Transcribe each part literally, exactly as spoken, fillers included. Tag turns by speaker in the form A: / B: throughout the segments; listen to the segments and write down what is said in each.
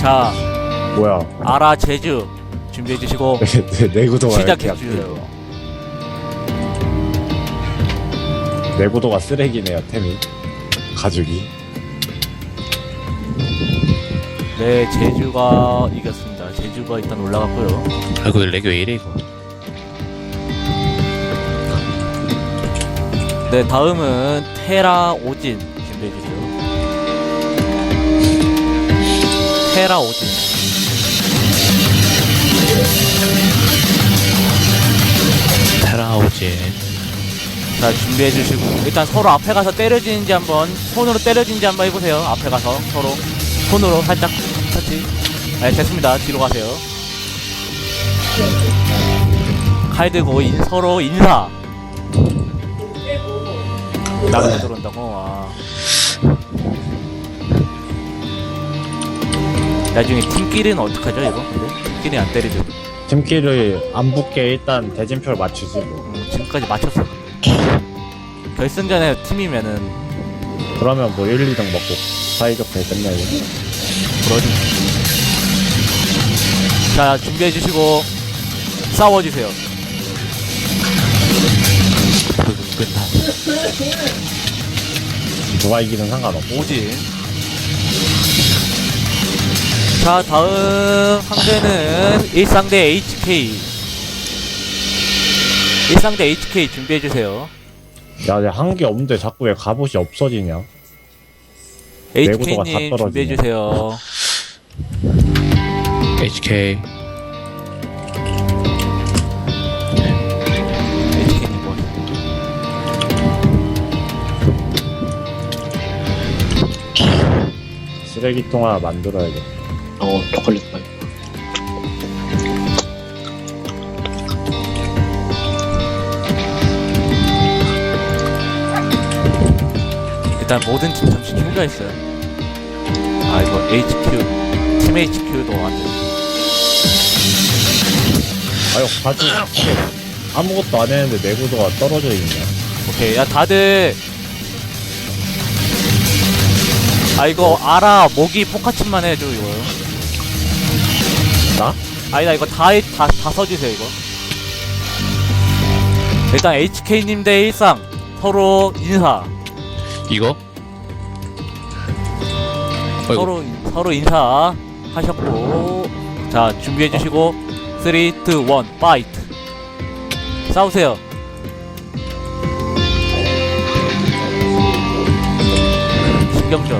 A: 자,
B: 뭐야?
A: 아라 제주 준비해 주시고
B: 내, 내구도가 이렇게
A: 시작해
B: 약해.
A: 주세요.
B: 내구도가 쓰레기네요, 템이. 가죽이.
A: 네, 제주가 이겼습니다. 제주가 일단 올라갔고요.
C: 아이고 렉이 왜 이래 이거.
A: 네, 다음은 테라 오진 준비해 주세요. 테라 오진.
C: 테라오진.
A: 자, 준비해 주시고 일단 서로 앞에 가서 때려지는지 한번 손으로 때려지는지 한번 해보세요. 앞에 가서 서로 손으로 살짝 터치. 네, 됐습니다. 뒤로 가세요. 칼 들고 인, 서로 인사. 나가서 들어온다고. 아. 나중에 팀끼리는 어떡하죠 이거? 근데 팀끼리 안 때리죠.
B: 팀끼리 안 붙게 일단 대진표를 맞추지 뭐.
A: 음, 지금까지 맞췄어. 결승전에 팀이면은
B: 그러면 뭐 일, 이 등 먹고 사이좋게 끝내고.
A: 그러지. 자, 준비해 주시고 싸워 주세요.
C: 끝나.
B: 누가 이기든 상관없고.
A: 오진. 자, 다음 상대는 일상대 에이치케이. 일상대 에이치케이 준비해 주세요.
B: 야, 내가 한 게 없는데 자꾸 왜 갑옷이 없어지냐? 내구도가 다
A: 에이치케이님
B: 떨어지네.
A: 준비해 주세요.
C: 에이치케이.
A: 에이치케이님 뭐?
B: 쓰레기통 하나 만들어야겠다.
D: 어, 초콜릿 맛.
A: 일단 모든 팀 잠시 휴가 있어요. 아, 이거 에이치큐 팀 에이치큐도 안 돼.
B: 아유, 가죽 아무것도 안 했는데 내구도가 떨어져 있냐?
A: 오케이, 야 다들 아 이거 알아. 모기 포카침만 해줘 이거.
B: 나?
A: 아니다, 이거 다 다 다 써주세요 이거. 일단 에이치케이님 대 일상 서로 인사.
C: 이거? 어이구.
A: 서로 서로 인사 하셨고, 자 준비해 주시고 삼, 이, 일 파이트. 싸우세요. 신경전.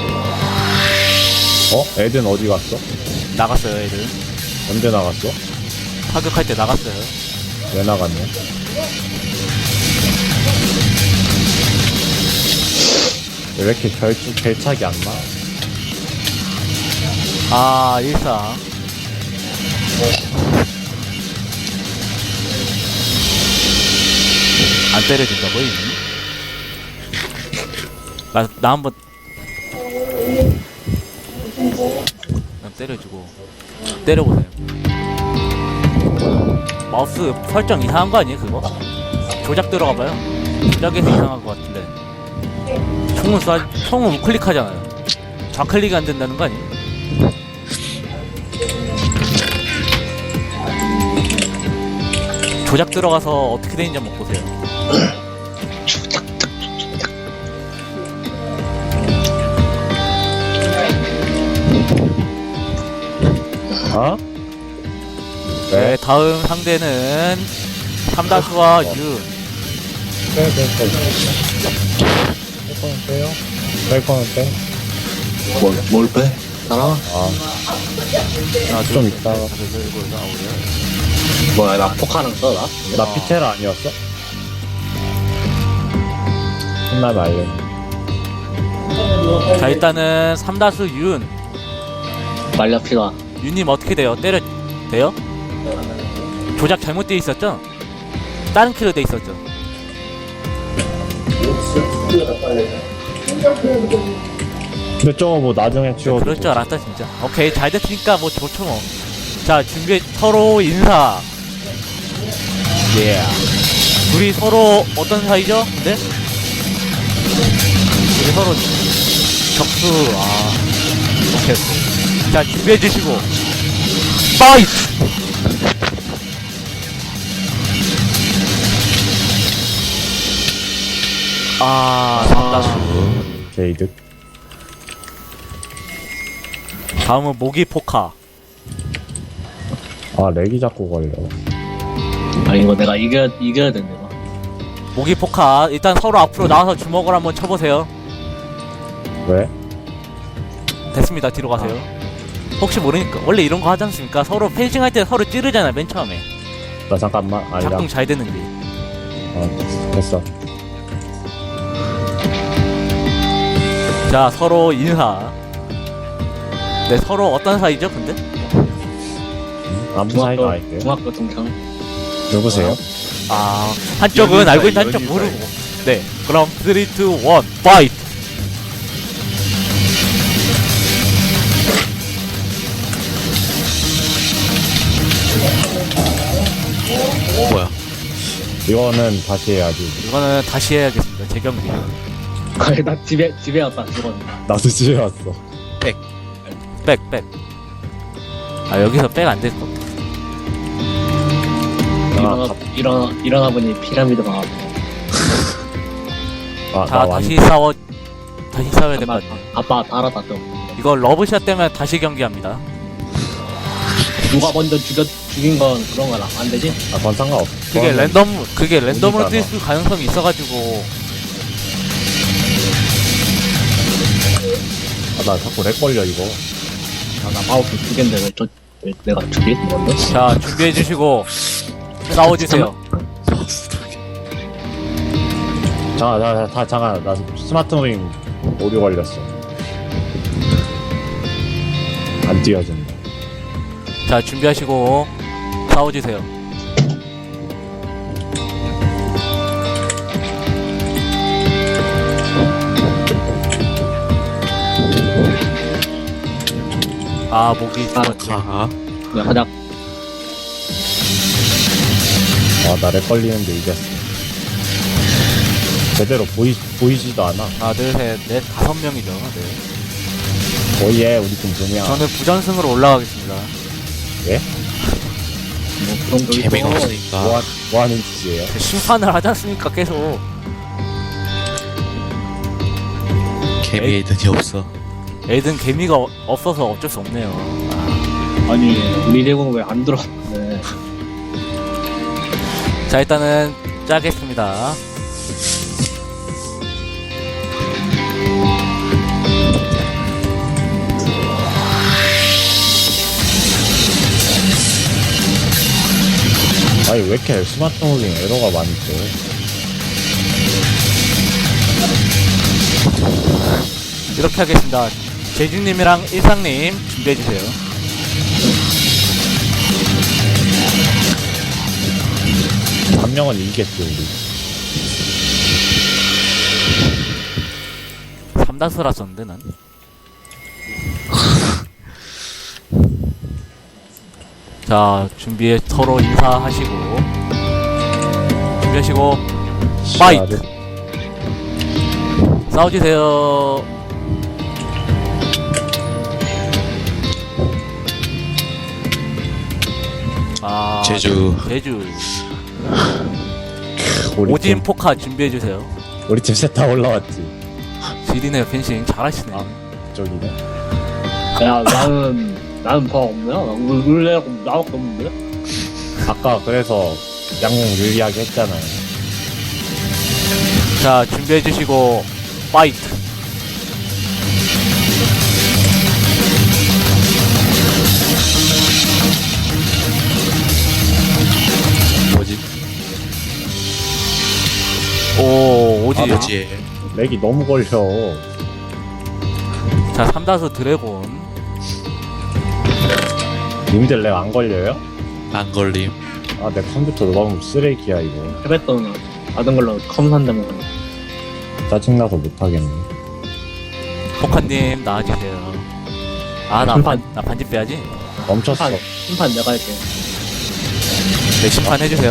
B: 어? 애든 어디 갔어?
A: 나갔어요 애들.
B: 언제 나갔어?
A: 타격할 때 나갔어요.
B: 왜 나갔냐? 왜 이렇게 결축 결착이 안 나?
A: 아, 일상. 안 때려준다고 이미? 나, 나 한번 난 때려주고 때려보세요. 마우스 설정 이상한 거 아니에요 그거? 조작 들어가봐요. 조작에서 이상한 거 같은데. 총은 쏴, 총은 우클릭하잖아요. 좌클릭이 안 된다는 거 아니에요? 조작 들어가서 어떻게 되는지 한번 보세요.
B: 어?
A: 네, 다음 상대는 삼다수와 윤.
B: 빼, 빼, 빼. 뺄 거는 빼요? 뺄 거는 빼?
D: 뭘, 뭘 빼? 따라?
B: 아,
A: 하나,
B: 좀
A: 둘,
B: 있다가.
A: 셋, 넷, 다섯, 여섯, 일곱, 여덟, 아홉, 열.
D: 뭐야, 나 포카는 써, 나?
B: 나 피테라 아니었어? 끝나면 알려.
A: 자, 일단은 삼다수 윤.
D: 말려 피가.
A: 윤님 어떻게 돼요? 때려 돼요? 조작 잘못되어 있었죠? 다른 키로 돼 있었죠?
B: 근데 저거 뭐 나중에
A: 네,
B: 치워도
A: 그럴 줄 알았다 진짜. 오케이, 잘 됐으니까 뭐 좋죠 뭐. 자, 준비. 서로 인사. 예. 둘이 서로 어떤 사이죠? 근데 둘이 서로 적수. 아, 오케이. 자, 준비해주시고 파이트! 아, 삼다수.
B: 게이득.
A: 다음은 모기 포카.
B: 아, 렉이 자꾸 걸려.
D: 아 이거 내가 이겨 이겨야 된대. 이거.
A: 모기 포카. 일단 서로 앞으로 나와서 주먹을 한번 쳐보세요.
B: 왜?
A: 됐습니다. 뒤로 가세요. 혹시 모르니까 원래 이런 거 하지 않습니까? 서로 펜싱 할 때 서로 찌르잖아, 맨 처음에.
B: 나 잠깐만. 아니야.
A: 작동 잘 되는데.
B: 어, 됐어.
A: 자, 서로 인사. 네, 서로 어떤 사이죠, 근데?
B: 아무 사이가 아닌데.
D: 중학교 동창.
B: 누구세요?
A: 아, 한쪽은
C: 연인사이,
A: 알고 있는 한쪽
C: 연인사이.
A: 모르고. 네, 그럼 삼, 이, 일, 파이트!
C: 뭐야?
B: 이거는 다시 해야지.
A: 이거는 다시 해야겠습니다, 제 경기.
D: 거의 나 집에 집에 왔다 죽었네.
B: 나도 집에 왔어.
A: 백, 백. 아, 여기서 백 안 될 거.
D: 일어나 일어나 일어나 보니 피라미드 방 앞에.
B: 아,
A: 자,
B: 나
A: 다시
B: 완.
A: 싸워, 다시 싸워야 될 것
D: 아빠
A: 같아.
D: 아빠 달았다 좀.
A: 이거 러브샷 되면 다시 경기합니다.
D: 누가 먼저 죽였 죽인 건 그런 거라 안 되지?
B: 아, 그건 상관없어.
A: 그게
B: 그거는-
A: 랜덤, 그게 랜덤으로
B: 오니까
A: 뜰 수 가능성이 있어가지고.
B: 아, 나 자꾸 렉 걸려, 이거.
D: 아나 마우스 두 개인데 왜 저 왜 내가 죽이 먼저?
A: 자, 준비해주시고, 싸워주세요.
B: 잠깐, 나, 다, 잠깐. 나 스마트 무빙 오류 걸렸어. 안 띄어진다.
A: 자, 준비하시고, 싸워주세요. 아, 목이 죽었지.
C: 가.
D: 왜 하자.
B: 아, 나 렉 걸리는데 이겼어. 제대로 보이, 보이지도 않아.
A: 하나, 둘, 셋, 넷, 다섯 명이죠. 네.
B: 거의 해, 우리 팀 두 명.
A: 저는 부전승으로 올라가겠습니다.
B: 예?
D: 뭐 그런 거
C: 재미가
D: 있어.
C: 없으니까.
B: 뭐, 하, 뭐 하는 짓이에요?
A: 그 심판을 하지 않습니까, 계속.
C: 개미에이든이 없어.
A: 애든 개미가 어- 없어서 어쩔 수 없네요.
D: 아니 우리 대공 왜 안 들어왔네.
A: 자, 일단은 짜겠습니다.
B: 아니, 왜 이렇게 스마트 무빙 에러가 많이 떠?
A: 이렇게 하겠습니다. 제주님이랑 일상님 준비해주세요.
B: 한 명은 이기겠지, 우리.
A: 삼다수라 썼는데, 난. 자, 준비해, 서로 인사하시고. 준비하시고, 파이트! 싸워주세요. 아,
C: 제주.
A: 제주.
B: 우리
A: 오진
B: 팀,
A: 포카 준비해주세요.
B: 우리 팀 셋 다 올라왔지.
A: 지리네요, 펜싱. 잘하시네.
B: 아. 저기네.
D: 야 나는 나는 더 없냐? 나 원래 나밖에 없는데?
B: 아까 그래서 양궁 유리하게 했잖아요.
A: 자, 준비해주시고, 파이트!
C: 뭐지?
A: 오, 오지.
B: 아,
C: 뭐지?
B: 렉이 너무 걸려.
A: 자, 삼다수 드래곤.
B: 님들 렉 안 걸려요?
C: 안 걸림.
B: 아, 내 컴퓨터 너무 쓰레기야, 이거.
D: 해봤던 받은 걸로 컴 산다면
B: 짜증나서 못하겠네.
A: 포카님, 나와주세요. 아, 나
D: 심판.
A: 반, 나 반집 빼야지.
B: 멈췄어.
D: 심판 심판 내가 할게.
A: 네, 심판 해주세요.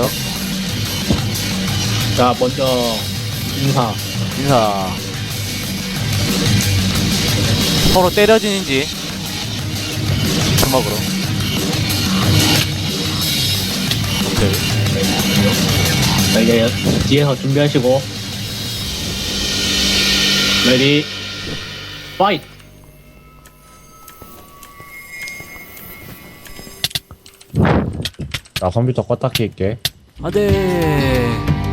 D: 자 먼저 인사.
A: 인사. 서로 때려지는지. 주먹으로. 오케이.
D: 자, 이제 뒤에서 준비하시고. 레디, 파이트!
B: 나 컴퓨터 껐다 킬게.
A: 안돼.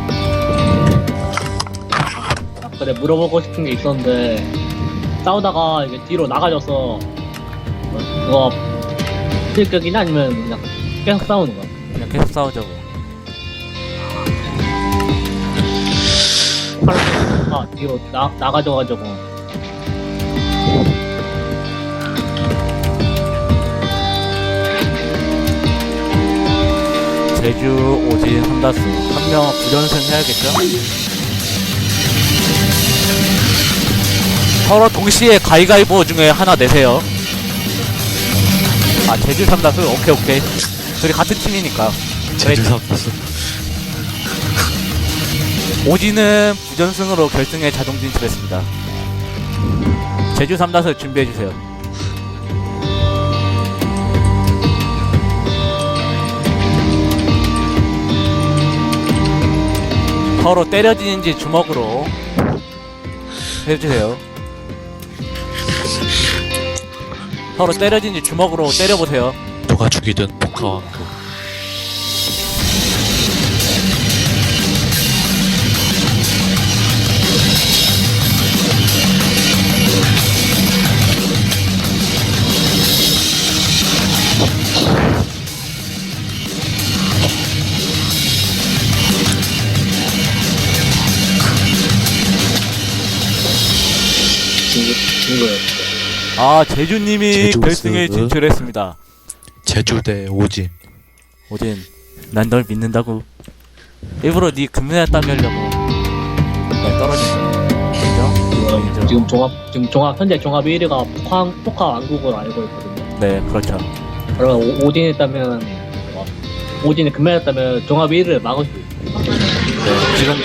D: 근데 물어보고 싶은 게 있었는데, 싸우다가 이게 뒤로 나가져서, 어, 그거, 실격이나 아니면 그냥 계속 싸우는 거야?
A: 그냥 계속 싸우자고.
D: 아, 뒤로 나, 나가져가지고.
A: 제주, 오진, 삼다수 한 명 부전승 해야겠죠? 서로 동시에 가위가위보 중에 하나 내세요. 아 제주 삼다수? 오케이 오케이. 둘이 같은 팀이니까.
C: 제주 삼다수.
A: 오진은 부전승으로 결승에 자동 진출했습니다. 제주 삼다수 준비해주세요. 서로 때려지는지 주먹으로 해주세요. 서로 때려지는지 주먹으로 때려보세요.
C: 누가 죽이든 포카왕국.
D: 이거요.
A: 아 제주님이
C: 제주
A: 결승에
C: 스-
A: 진출했습니다.
C: 제주 대 오진.
A: 오진 난 널 믿는다고. 일부러 네 금메달 따게 하려고 날 떨어진 거야. 인정? 인정?
D: 지금, 지금 종합, 지금 종합, 현재 종합 일 위가 포카, 포카 왕국으로 알고 있거든요.
A: 네 그렇죠.
D: 그러면 오, 오딘 했다면, 어, 오딘이 금메달 했다면 종합 일 위를 막을 수 있어요.
A: 네, 지금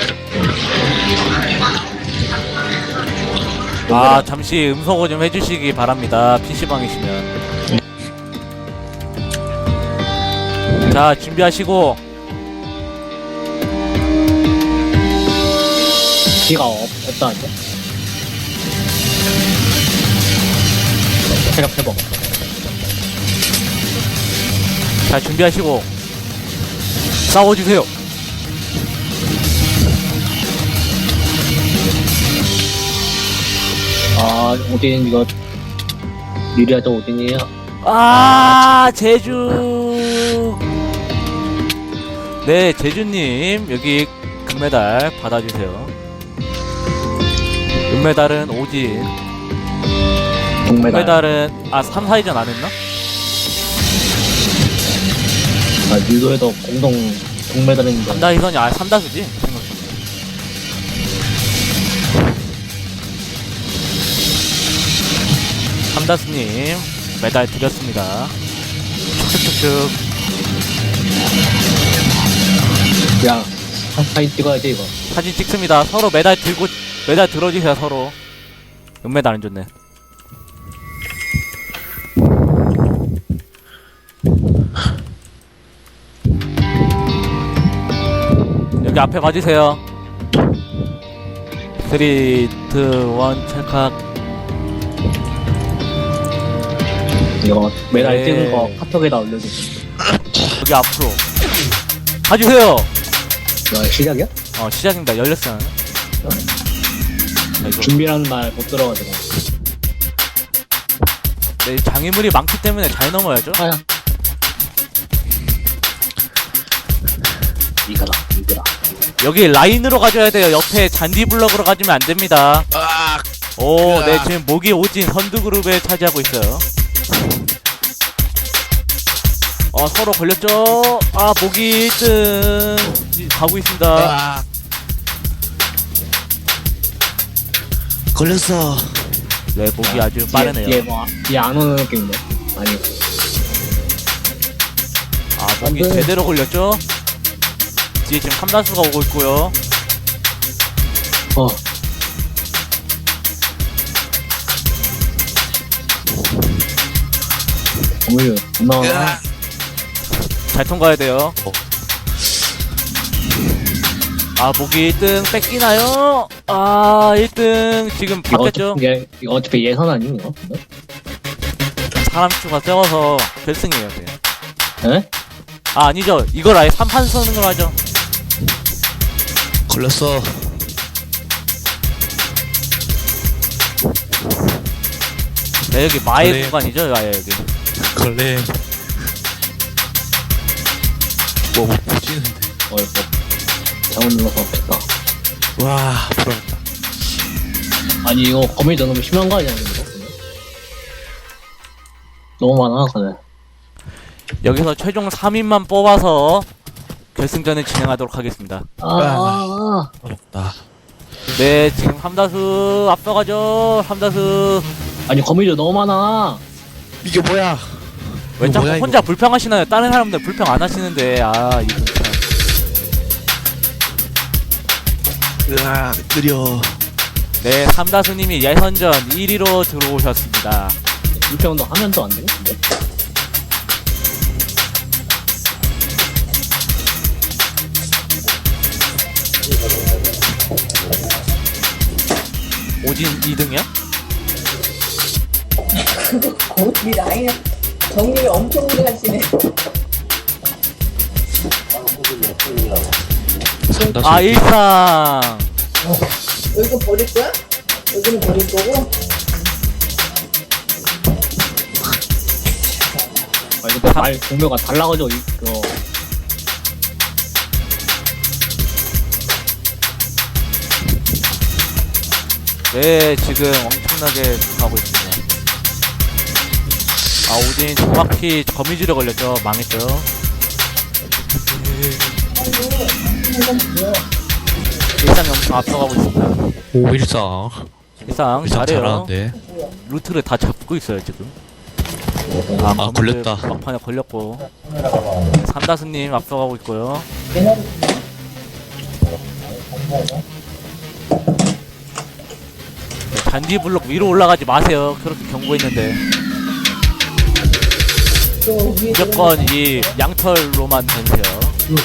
A: 아 잠시 음소거 좀 해주시기 바랍니다. 피시방이시면. 자 준비하시고
D: 기가 없, 없다는데? 체력 회복.
A: 자 준비하시고 싸워주세요.
D: 아, 오딘 이거, 유리하죠, 오딘이에요?
A: 아 제주. 네 제주님 여기 금메달 받아주세요. 은메달은 오진.
D: 동메달.
A: 금메달은 아 삼, 사위전 안 했나?
D: 아, 유도에도 공동 동메달인데.
A: 삼다희선이 아 삼다수지 생각해. 삼다수님 메달 드렸습니다. 쭉쭉쭉쭉.
D: 야, 사- 사진 찍어야지, 이거.
A: 사진 찍습니다. 서로 메달 들고 메달 들어주세요. 서로. 은메달 안 줬네. 여기 앞에 봐주세요. 삼, 이, 일 찰칵.
D: 이거 메달
A: 네.
D: 찍은 거 카톡에다 올려주세요.
A: 여기 앞으로 봐주세요.
D: 야, 시작이야?
A: 어 시작입니다. 열렸어요. 자, 이거.
D: 준비라는 말 못 들어가지고.
A: 네, 장애물이 많기 때문에 잘 넘어야죠.
D: 아야. 이거다, 이거다.
A: 여기 라인으로 가줘야 돼요. 옆에 잔디 블럭으로 가주면 안 됩니다. 오, 네, 지금 모기 오진 선두그룹에 차지하고 있어요. 어, 서로 걸렸죠? 아, 모기 일 등 가고 있습니다.
C: 걸렸어.
A: 네, 모기 아주 빠르네요.
D: 뒤에, 뒤에 뭐, 뒤에 안 오는 느낌인데. 아니.
A: 아, 모기
D: 안 돼.
A: 제대로 걸렸죠? 뒤에 지금 삼다수가 오고 있고요.
D: 어. 거물류 겁나 많아.
A: 잘 통과해야 돼요.
C: 어.
A: 아, 목이 일 등 뺏기나요? 아, 일 등 지금
D: 이거
A: 바뀌었죠?
D: 어차피, 얘, 이거 어차피 예선 아니니 이거?
A: 사람 수가 적어서 결승이에요, 그냥.
D: 에?
A: 아, 아니죠. 이걸 아예 삼 판 서는 걸 하죠.
C: 걸렸어.
A: 네, 여기 마의
C: 그래.
A: 공간이죠, 아예 여기.
C: 걸레. 뭐못 보지는데.
D: 어이구 잘못 눌러서 됐다.
C: 와 부럽다.
D: 아니 이거 거물류 너무 심한 거 아니야 이거? 너무 많아 그래.
A: 여기서 최종 삼 인만 뽑아서 결승전을 진행하도록 하겠습니다.
D: 아, 아,
C: 어렵다.
A: 네, 지금 함다수 앞서가죠. 함다수.
D: 아니 거물류 너무 많아.
C: 이게 뭐야?
A: 왜
C: 이거
A: 자꾸
C: 뭐야,
A: 혼자
C: 이거?
A: 불평하시나요? 다른 사람들 불평 안 하시는데. 아, 이거 참.
C: 으아 느려.
A: 네, 삼다수님이 예선전 일 위로 들어오셨습니다.
D: 불평도 하면 또 안 되겠는데?
A: 오진 이 등이요?
E: 우리 나이는 정리를 엄청 오래 하시네.
C: 상다수.
A: 아, 일상.
E: 여기는 버릴 거야? 여기는 버릴 거고.
D: 아 이거 말 공묘가 달라가지고 이- 그거
A: 네, 지금 엄청나게 가고 있습니다. 아, 오진 정확히 거미줄에 걸렸죠. 망했죠. 일상이 엄청 앞서가고 있습니다.
C: 오 일상.
A: 일상
C: 일상
A: 잘해요.
C: 잘하는데.
A: 루트를 다 잡고 있어요 지금. 아,
C: 아,
A: 거미줄
C: 걸렸다.
A: 막판에 걸렸고. 삼다수님 앞서가고 있고요. 네, 잔디 블록 위로 올라가지 마세요. 그렇게 경고했는데
E: 또 위에
A: 무조건 이 양털로만 다니세요.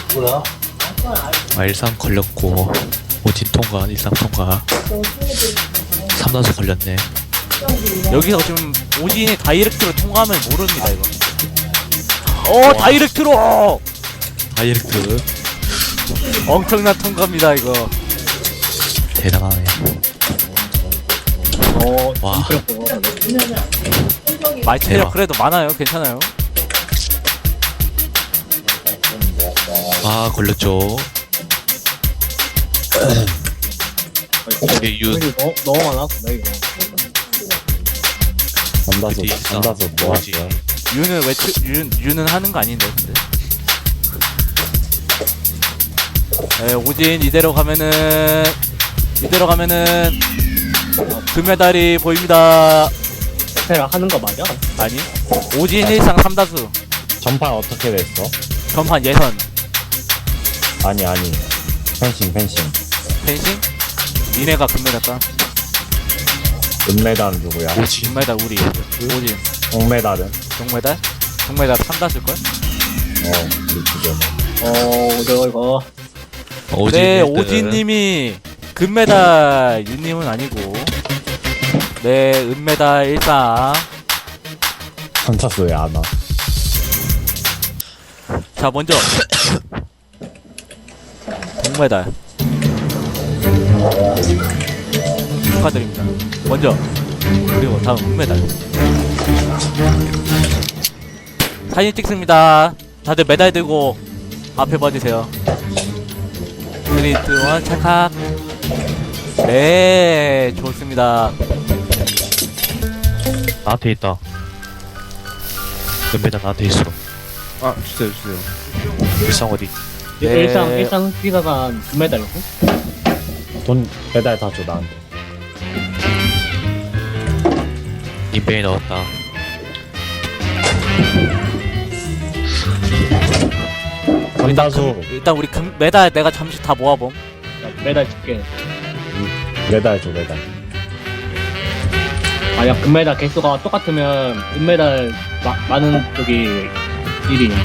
C: 아 일상 걸렸고. 오진 통과. 일상 통과. 삼다수 걸렸네.
A: 여기서 지금 오진이 다이렉트로 통과하면 모릅니다 이거. 어, 다이렉트로
C: 다이렉트.
A: 엄청난 통과입니다 이거.
C: 대단하네.
D: 어
C: 와.
D: 힘들었고.
A: 마이 체력
C: 대박.
A: 그래도 많아요. 괜찮아요.
C: 아 걸렸죠. 이게 유.
D: 거물류 너무 너무 많아 근데 이거.
B: 남다수
C: 어디 있어?
B: 남다수 뭐
C: 뭐지?
B: 하세요?
A: 유는 외치 유, 유는 하는 거 아닌데 근데. 네, 오진 이대로 가면은 이대로 가면은 금메달이 보입니다.
D: 테라 하는 거 맞아?
A: 아니, 오진 일상 삼다수
B: 전판 어떻게 됐어?
A: 전판 예선
B: 아니 아니 펜싱 펜싱
A: 펜싱 니네가 금메달 따.
B: 은메달은 누구야?
C: 오진.
A: 금메달 우리 오진.
B: 동메달은?
A: 동메달? 동메달 삼다수일걸?
B: 어 우리 지금
D: 어 이거 이거
C: 오진.
A: 네,
C: 일 등.
A: 오진님이 금메달, 윤님은 아니고, 네, 은메달 일상.
B: 전차수 왜 안 와?
A: 자, 먼저 동메달 축하드립니다. 먼저 그리고 다음 은메달. 사진 찍습니다. 다들 메달 들고 앞에 봐주세요. 쓰리, 투, 원, 찰칵. 네, 좋습니다.
C: 나한테 있다. 은메달 나한테 있어.
F: 아 주세요 주세요.
C: 일상 어디?
A: 네.
D: 일상 일상 기사가 금메달이고.
B: 돈 메달 다 줘 나한테.
C: 인벤이 넣었다.
B: 전다수
A: 일단 우리 금, 메달 내가 잠시 다 모아봄.
D: 메달 줄게.
B: 메달 줘 메달.
D: 만약 금메달 개수가 똑같으면 은메달 마, 많은 쪽이 일 위.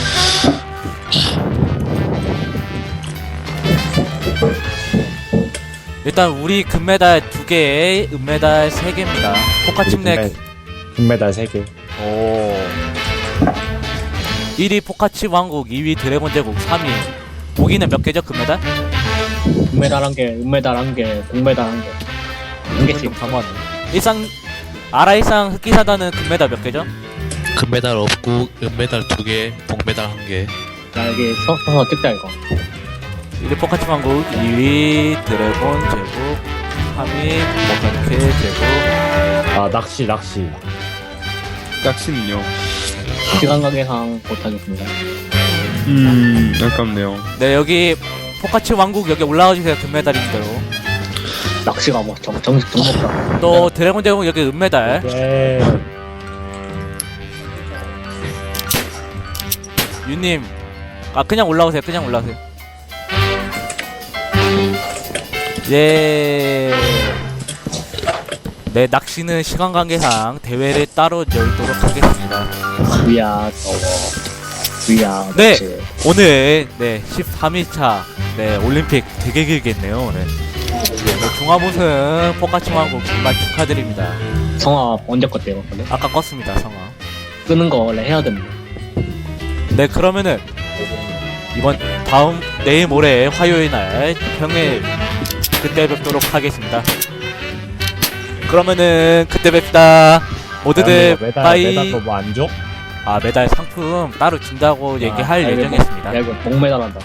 A: 일단 우리 금메달 두 개, 은메달 세 개입니다. 포카칩넥
B: 금메달 세 개.
A: 오. 일 위 포카치 왕국, 이 위 드래곤 제국, 삼 위 독일은 몇 개죠 금메달?
D: 금메달 한 개, 은메달 한 개, 동메달 한 개. 한 개씩.
A: 좀 강화하네. 일상 아라 일상 흑기사단은 금메달 몇 개죠?
C: 금메달 없고 은메달 두 개, 동메달 한 개.
D: 야, 이게 서, 서서 찍자, 이거.
A: 일 위 포카치 왕국, 이 위 드래곤 제국, 삼 위 모카케 제국.
B: 아 낚시 낚시.
F: 낚시는요?
D: 시간 관계상 못하겠습니다.
F: 음, 아깝네요.
A: 네 여기 포카치 왕국 여기 올라와 주세요 금메달인 대로.
D: 낚시가 뭐, 정, 정식 종목이라.
A: 또 드래곤 제국 여기 은메달.
B: 예.
A: 유님 아 그냥 올라오세요 그냥 올라오세요. 예. 네 낚시는 시간 관계상 대회를 따로 열도록 하겠습니다.
D: 위야, 더워. 위야,
A: 네.
D: 낚시.
A: 오늘 네 십삼 일차 네 올림픽 되게 길게 했네요 오늘. 네, 종합 우승 포카치 왕국 정말 축하드립니다.
D: 성화 언제 껐대요, 원래?
A: 아까 껐습니다 성화.
D: 끄는 거 원래 해야 됩니다.
A: 네 그러면은 이번 다음 내일 모레 화요일 날 평일 그때 뵙도록 하겠습니다. 그러면은 그때 뵙다 모두들
B: 메달
A: 빠이.
B: 메달 뭐안 줘?
A: 아 메달 상품 따로 준다고 얘기할
D: 아,
A: 예정이었습니다.
D: 야, 이거 목메달 한다.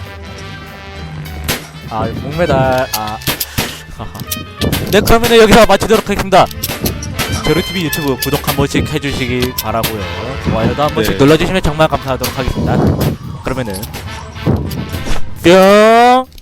A: 아 목메달 아 하하. 네 그러면은 여기서 마치도록 하겠습니다. 제로티비 유튜브 구독 한 번씩 해주시기 바라고요. 좋아요도 한 번씩
F: 네.
A: 눌러주시면 정말 감사하도록 하겠습니다. 그러면은 뿅.